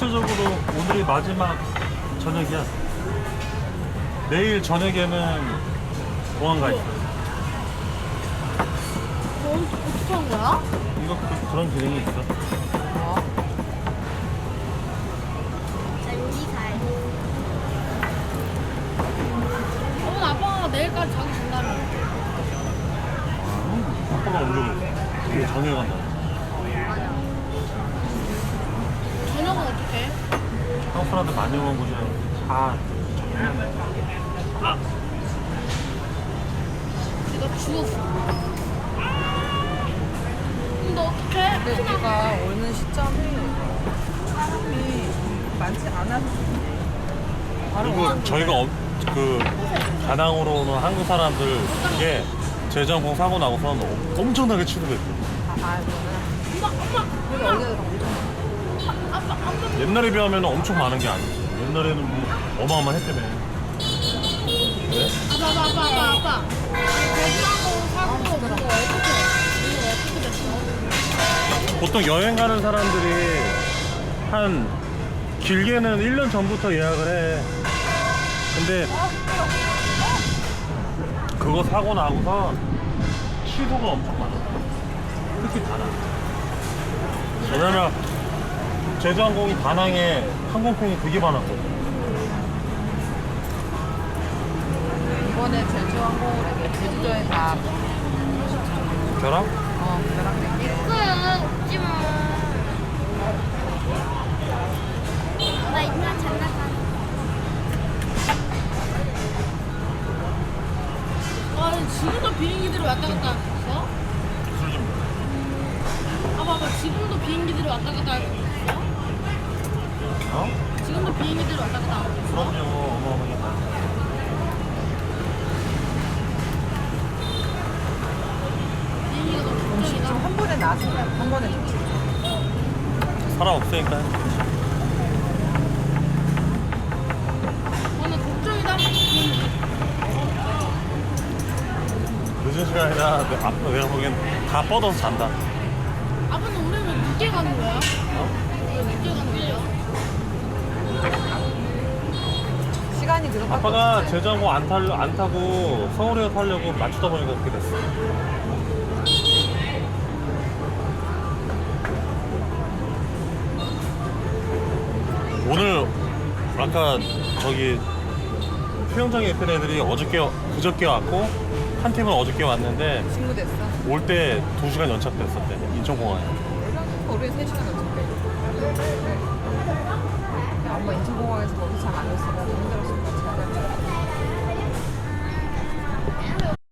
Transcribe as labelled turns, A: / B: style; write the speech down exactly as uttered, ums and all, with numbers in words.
A: 전체적으로 오늘이 마지막 저녁이야. 내일 저녁에는 공항 가 있어.
B: 어, 어떻게 한 거야?
A: 이거 그, 그런 기능이 있어.
B: 어, 아빠가 내일까지 자기 준다며.
A: 아빠가 오려고 이게 저녁에 간다.
B: 저녁은 어떻게 해?
A: 한국 사람들 많이 오는 곳이라 다
B: 내가 죽었어. 근데 어떡해?
C: 근데 우리가 오는 시점이 사람이 많지 않아서 바로
A: 그리고
C: 오는
A: 저희가 어, 그 다낭으로 오는 한국 사람들 이게 제주항공 사고 나고선 엄청나게 취급했대.
C: 아, 아, 이거는
B: 엄마, 엄마,
C: 우리가
B: 엄마.
C: 어디가 엄청
B: 아빠, 아빠.
A: 옛날에 비하면 엄청 많은 게 아니지. 옛날에는 뭐 어마어마했다며. 왜?
B: 아빠, 아빠, 아빠, 아빠, 아빠. 대주하고 사고 그거 어떻게? 이거 어떻게 됐어?
A: 보통 여행 가는 사람들이 한 길게는 일 년 전부터 예약을 해. 근데 그거 사고 나고서 취소가 엄청 많아. 특히 다낭. 왜냐면 제주항공이 다낭에 항공편이 되게 많았거든.
C: 이번에 제주항공으로 이게 제주도에 다
A: 결합?
C: 어, 결합된 게
B: 그거야, 웃지 마. 나 이만 장난감. 와, 지금도 비행기들이 왔다 갔다 했어?
A: 술 좀.
B: 아, 봐봐, 지금도 비행기들이 왔다 갔다 하고 있어?
A: 어?
B: 지금도 비행기들이 왔다 갔다 하고 있어?
A: 그럼요. 어마어마하게 많아.
B: 비행기가 너무
C: 음식
B: 걱정이다.
C: 좀 한 번에 나왔으면 한 번에 좋지.
A: 사람 없으니까.
B: 아, 나 걱정이다. 비행기.
A: 늦은 시간이라 내- 앞- 내가 보기엔 다 뻗어서 잔다.
B: 아빠는 우리 왜 늦게 가는 거야?
A: 어?
B: 왜 늦게 가는 거야?
C: 시간이 그것밖에
A: 아빠가
C: 없지.
A: 제주항공 안, 탈, 안 타고 서울에 타려고 맞추다 보니까 그렇게 됐어. 오늘 아까 저기 수영장에 있던 애들이 어저께 그저께 왔고 한 팀은 어저께 왔는데
C: 친구 됐어.
A: 올 때 두 시간 연착됐었대 인천공항에.
C: 우리 세 시간 넘었대. 엄마 인천공항에서 거기 잘 안 왔으면